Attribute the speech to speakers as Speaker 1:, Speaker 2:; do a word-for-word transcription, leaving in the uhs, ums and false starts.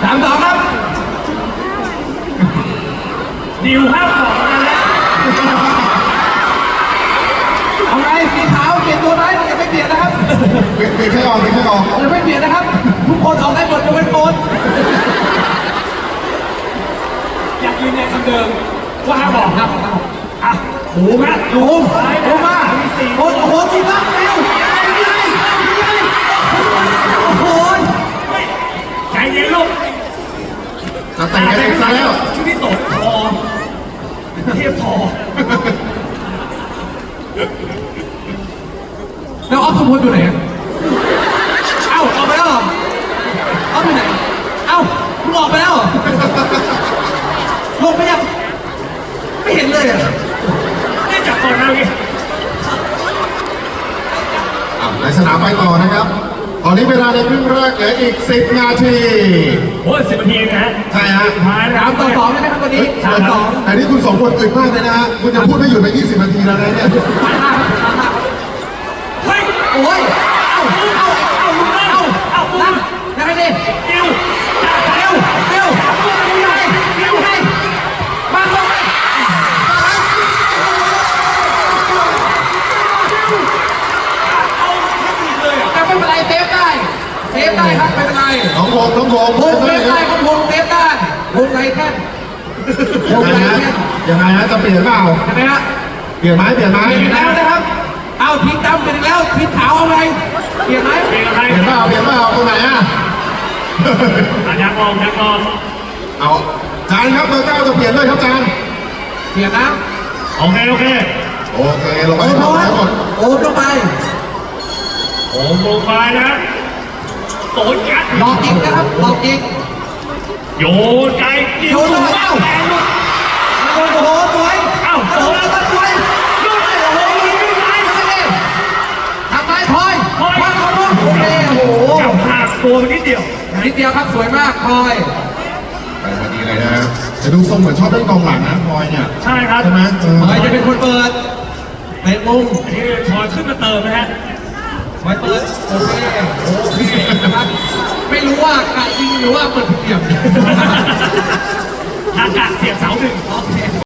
Speaker 1: สามสองครับดิวห้ามบอกกันแล้วเอาไงสีขาวเปลี่ยนตัวไหมยังไม่เปลี่ยนนะครับ
Speaker 2: เปลี่ยนเปลี่ยนแค่ออกเปลี่ยนแค่ออก
Speaker 1: ยังไม่เปลี่ยนนะครับทุกคนออกได้หมดยกเว้นโอนอยากยืนยันคำเดิมว่าห้ามบอกครับอ่ะโอ้โหมาโอ้โหโอ้มาโอ้โหจริงมากเร็วโอ้โหใจเย็นลูก
Speaker 2: จะแต่งกันเองซะแล้ว
Speaker 1: ที่ตกทอเทียบทอแล้วออฟสมพลอยู่ไหนเอ้าออกไปแล้วเหรอออฟอยู่ไหนเอ้ามึงออกไปแล้วเหรอลงไปยังไม่เห็นเลยอ่ะนี่จับก่อนนะพี่
Speaker 2: ในสนามไปต่อนะครับตอนนี้เวลาในครึ่งแรกเหลืออีกสิบนาที
Speaker 1: โอ้สิบนาทีนะฮะ
Speaker 2: ใช่ฮะ
Speaker 1: ท้ายแล้วต่อสองใช่ไหมครับวันนี้สามสอง
Speaker 2: แต่นี่คุณสองคนอึดมากเลยนะฮะคุณจะพูดไม่หยุดไปยี่สิบนาทีแล้วนะเนี่ย
Speaker 1: เฮ้ยโอ้ยเอ้าเอ้าเอ้าเอ้าเอ้าตั้งยังไงดิเร็วเร็วเร็วเร็วเร็วให้มาลงแต่ไม่เป็นไรเซฟได้เซฟได้ครับไม่เป็นไร
Speaker 2: น้องโงน้องโง
Speaker 1: วงเซฟได้ครับวงเซฟได้วงไรแค่
Speaker 2: วงไรแค่ยังไงฮะจะเปลี่ยนเปล่า
Speaker 1: ใช่ไหมฮะ
Speaker 2: เปลี่ยนไหมเปลี่ยนไหม
Speaker 1: เปลี่ยนแล้วนะครับเอาทีมดำเปลี่ยนแล้วทีมขาวเอาไงเปลี่ยนไหมเปลี่ยนอะไร
Speaker 2: เปลี่ยนเปล่าเปลี่ยนเปล่าตรงไหนอ่ะ
Speaker 1: ยักษ์มองยักษ์มอง
Speaker 2: เอาจานครับเบอร์เก้าจะเปลี่ยนเลยครับจาน
Speaker 1: เปลี่ยนนะโอเคโอเค
Speaker 2: โอเคลงไปให้หมด
Speaker 1: โอ้ลงไปโอ้ลงไปนะโตยัดหลอกอีกนะครับหลอกอีกโยนไกลโยนเลยเอ้าโอ้โหสวยเอ้าโอ้โหสวยโยนเลยโอ้โหยิงไปเลยทำไรพลอยพลอยพลอยโอเคโอ้โหจับหักตัวนิดเดียวนิดเดียวครับสวยมากพลอย
Speaker 2: ไปพอดีเลยนะจะดูทรงเหมือนชอบเล่นกองหลังนะพลอยเนี่ย
Speaker 1: ใช่ครับ
Speaker 2: ใช่ไหม
Speaker 1: พลอยจะเป็นคนเปิดเตะมุมนี่พลอยขึ้นมาเติมนะฮะพลอยเปิดโอเคโอเคนะครับไม่รู้ว่ากะยิงหรือว่าเปิดเดี่ยวอากาศเสียบเสาหนึ่งโอเค